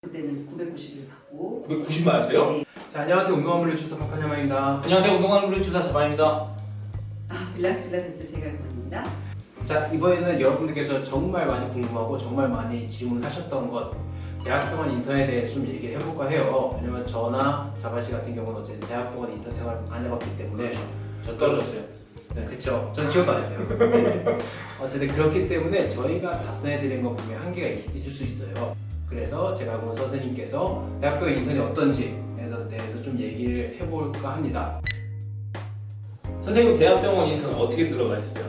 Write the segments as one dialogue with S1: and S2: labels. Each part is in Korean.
S1: 그때는 990을 받고
S2: 990 맞았어요?
S1: 네.
S3: 자, 안녕하세요. 운동한 물리주사 박한야마입니다.
S2: 안녕하세요. 운동하는 물리주사 자반입니다.
S1: 릴락스 필라테스 제갈권입니다.
S3: 자, 이번에는 여러분들께서 정말 많이 궁금하고 정말 많이 질문하셨던 것 대학병원 인턴에 대해서 좀 얘기를 해볼까 해요. 왜냐면 저나 자바씨 같은 경우는 어쨌든 대학병원 인턴 생활을 안 해봤기 때문에
S2: 저 떨어졌어요.
S3: 네, 그쵸. 전 취업도 안 했어요. 네. 어쨌든 그렇기 때문에 저희가 답변해드리는 거 보면 한계가 있을 수 있어요. 그래서 제가 오늘 선생님께서 대학병원 인턴이 어떤지 대해서 좀 얘기를 해볼까 합니다.
S2: 선생님 대학병원 인턴 어떻게 들어가셨어요?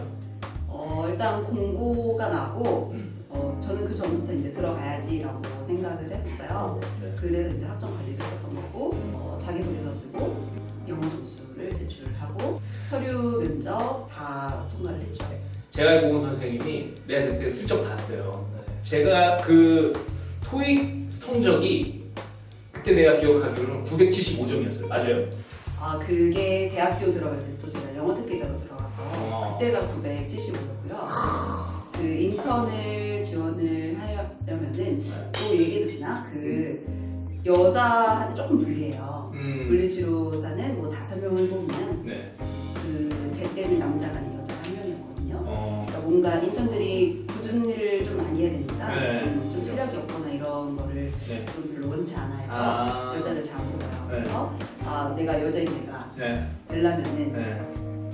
S1: 일단 공고가 나고 저는 그 전부터 이제 들어가야지라고 생각을 했었어요.
S2: 네.
S1: 그래서 이제 학점 관리도 했었던 거고 자기소개서 쓰고 영어 점수를 제출하고 서류 면접 다 통과를 했죠.
S2: 제갈공 선생님이 내가 그때 슬쩍 봤어요. 제가 그 토익 성적이 그때 내가 기억하기로는 975점이었어요. 맞아요?
S1: 그게 대학교 들어갈 때 또 제가 영어 특기자로 들어가서 그때가 975였고요. 그 인턴을 지원을 하려면은 또 얘기도 되나? 그 여자한테 조금 불리해요. 물리치료사는 뭐 5명을 보면
S2: 네.
S1: 제 때는 남자가 아닌 여자가 1명이었거든요. 그러니까 뭔가 인턴들이 굳은 일을 좀 많이 해야 되니까
S2: 네.
S1: 좀 체력이 없거나 이런 거를
S2: 네.
S1: 좀 별로 원치 않아 해서 여자를 잘 안 뽑아요. 그래서 내가 여자인 내가
S2: 네.
S1: 되려면은
S2: 네.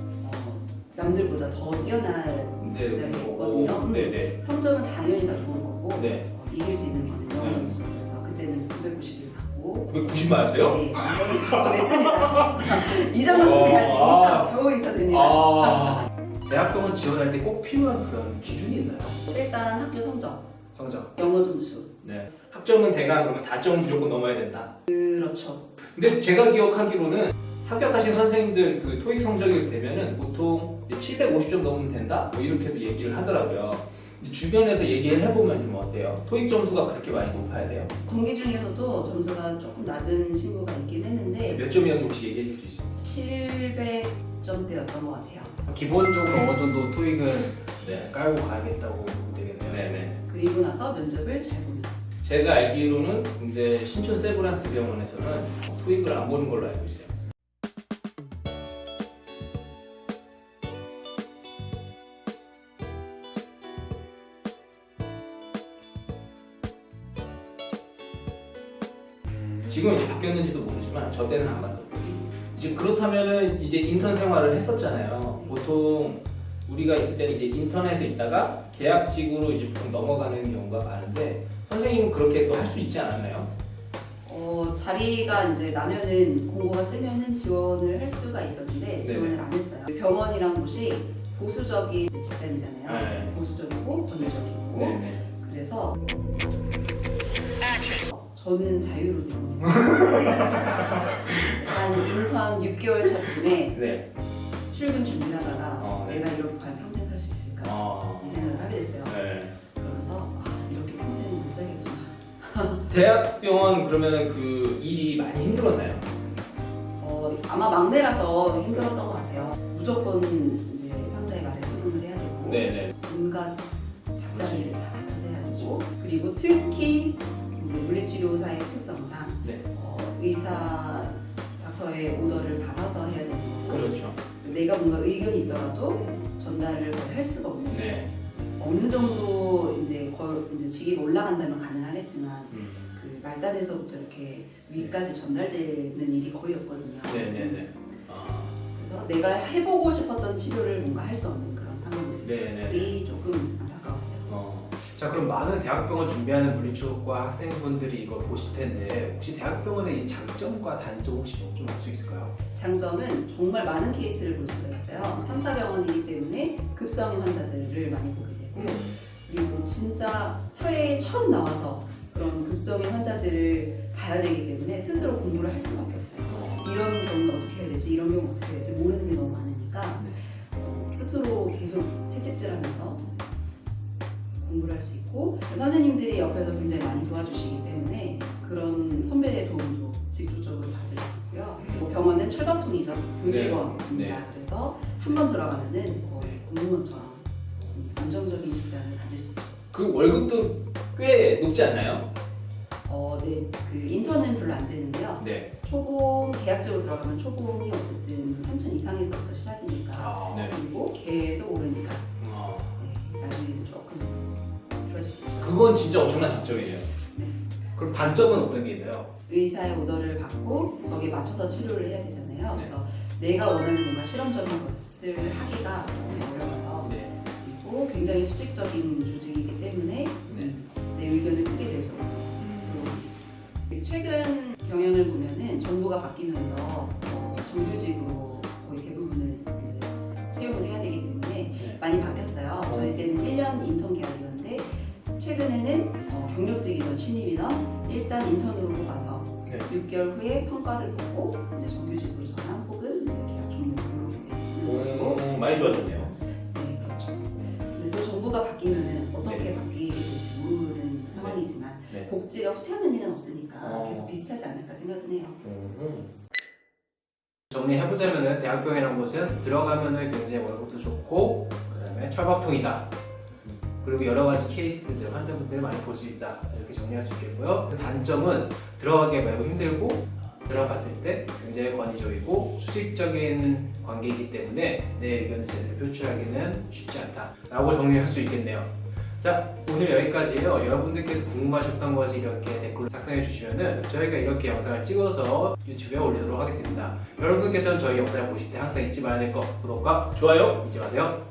S1: 남들보다 더 뛰어난
S2: 네.
S1: 있거든요.
S2: 네네.
S1: 성적은 당연히 다 좋은 거고
S2: 네.
S1: 이길 수 있는 거는 영어 점수. 그래서 그때는 990을 받고
S2: 990 맞았어요?
S1: 네, 완전히 받고 냈습니다. 이 정도쯤 해야지 겨우 인턴입니다.
S3: 대학병원 지원할 때 꼭 필요한 그런 기준이 있나요?
S1: 일단 학교 성적,
S3: 성적.
S1: 영어 점수.
S2: 네. 학점은 대강 그러면 4점 무조건 넘어야 된다.
S1: 그렇죠.
S2: 근데 제가 기억하기로는 합격하신 선생님들 그 토익 성적이 되면은 보통 750점 넘으면 된다? 뭐 이렇게도 얘기를 하더라고요. 근데 주변에서 얘기를 해보면 좀 어때요? 토익 점수가 그렇게 많이 높아야 돼요?
S1: 동기 중에서도 점수가 조금 낮은 친구가 있긴 했는데
S2: 몇 점이었는지 혹시 얘기해 줄 수 있어요?
S1: 700점대였던 것 같아요.
S3: 기본적으로 어느 정도 토익은
S2: 네.
S3: 깔고 가야겠다고 보면 되겠네요.
S2: 네네.
S1: 그리고 나서 면접을 잘 보면.
S2: 제가 알기로는 근데 신촌 세브란스 병원에서는 토익을 안 보는 걸로 알고 있어요. 지금 이제 바뀌었는지도 모르지만 저 때는 안 봤었어요. 이제 그렇다면은 이제 인턴 생활을 했었잖아요. 보통 우리가 있을 때는 이제 인턴에서 있다가 계약직으로 이제 보통 넘어가는 경우가 많은데 선생님은 그렇게 또 할 수 있지 않았나요?
S1: 자리가 이제 나면은 공고가 뜨면은 지원을 할 수가 있었는데 지원을 안 했어요. 병원이란 곳이 보수적인 이제 집단이잖아요.
S2: 네.
S1: 보수적이고 권위적이고
S2: 네네.
S1: 그래서 저는 자유로워요. 한 인턴 6개월 차쯤에
S2: 네.
S1: 출근 준비를 하다가
S2: 네.
S1: 내가 이렇게 과연 평생 살 수 있을까 이 생각을 하게 됐어요.
S2: 네.
S1: 그러면서 이렇게 평생 못 살겠구나.
S2: 대학병원 그러면은 그 일이 많이 힘들었나요?
S1: 아마 막내라서 힘들었던 것 같아요. 무조건 이제 상사의 말에 수긍을 해야 되고
S2: 네네.
S1: 온갖 잡다리를 다 맡아서 해야 되고 그리고 특히 이제 물리치료사의 특성상
S2: 네.
S1: 의사 닥터의 오더를 받아서 해야 되는 거고
S2: 그렇죠.
S1: 내가 뭔가 의견이 있더라도 전달을 거의 할 수가 없는 거예요.
S2: 네.
S1: 어느 정도 이제 직위가 올라간다면 가능하겠지만 그 말단에서부터 이렇게 위까지 전달되는 일이 거의 없거든요.
S2: 네네네.
S1: 그래서 내가 해보고 싶었던 치료를 뭔가 할 수 없는 그런 상황들이
S2: 네네.
S1: 조금 안타까웠어요.
S3: 자, 그럼 많은 대학병원 준비하는 물리치료과 학생분들이 이걸 보실 텐데 혹시 대학병원의 이 장점과 단점 혹시 좀 알 수 있을까요?
S1: 장점은 정말 많은 케이스를 볼 수가 있어요. 3차 병원이기 때문에 급성인 환자들을 많이 보게 되고 그리고 진짜 사회에 처음 나와서 그런 급성인 환자들을 봐야 되기 때문에 스스로 공부를 할 수밖에 없어요. 이런 경우는 어떻게 해야 되지? 이런 경우는 어떻게 해야 되지? 모르는 게 너무 많으니까 스스로 계속 채찍질하면서 공부를 할 수 있고 선생님들이 옆에서 굉장히 많이 도와주시기 때문에 그런 선배의 도움도 직접적으로 받을 수 있고요. 병원은 철밥통이죠. 교직원입니다.
S2: 네.
S1: 그래서 한 번 들어가면은 거의 공무원처럼 안정적인 직장을 가질 수 있죠.
S2: 그 월급도 꽤 높지 않나요?
S1: 그 인턴은 별로 안 되는데요.
S2: 네.
S1: 초봉 계약직으로 들어가면 초봉이 어쨌든 3천 이상에서부터 시작이니까
S3: 아,
S2: 네.
S1: 그리고 계속 오르니까
S2: 어,
S1: 네, 나중에는 조금 좋아지겠죠.
S2: 그건 진짜 엄청난 장점이에요.
S3: 그럼 단점은 어떤 게 있나요?
S1: 의사의 오더를 받고 거기에 맞춰서 치료를 해야 되잖아요.
S2: 네.
S1: 그래서 내가 원하는 뭔가 실험적인 것을 하기가 좀 어려워요.
S2: 네.
S1: 그리고 굉장히 수직적인 조직이기 때문에
S2: 네.
S1: 내 의견을 크게 낼 수 없고 최근 경향을 보면은 정부가 바뀌면서 정규직으로 거의 대부분을 이제 채용을 해야 되기 때문에
S2: 네.
S1: 많이 바뀌었어요. 저희 때는 1년 인턴 계약이었는데 최근에는 경력직이든 신입이든 일단 인턴으로 뽑아서
S2: 네.
S1: 6개월 후에 성과를 보고 이제 정규직으로 전환 혹은 이제 계약 종료 이렇게 되는 거고
S2: 많이 좋아졌네요.
S1: 네, 그렇죠. 근데 또 정부가 바뀌면은 어떻게
S2: 네.
S1: 바뀌게 될지 모르는 상황이지만
S2: 네.
S1: 복지가 후퇴하는 일은 없으니까
S2: 어.
S1: 계속 비슷하지 않을까 생각은 해요.
S3: 정리해보자면은 대학병이라는 곳은 들어가면은 굉장히 월급도 좋고 그다음에 철밥통이다. 그리고 여러 가지 케이스들, 환자분들 많이 볼 수 있다. 이렇게 정리할 수 있겠고요. 단점은 들어가기 매우 힘들고 들어갔을 때 굉장히 권위적이고 수직적인 관계이기 때문에 내 의견을 제대로 표출하기는 쉽지 않다라고 정리할 수 있겠네요. 자, 오늘 여기까지예요. 여러분들께서 궁금하셨던 것이 이렇게 댓글로 작성해 주시면은 저희가 이렇게 영상을 찍어서 유튜브에 올리도록 하겠습니다. 여러분들께서는 저희 영상을 보실 때 항상 잊지 말아야 될 거 구독과
S2: 좋아요.
S3: 잊지 마세요.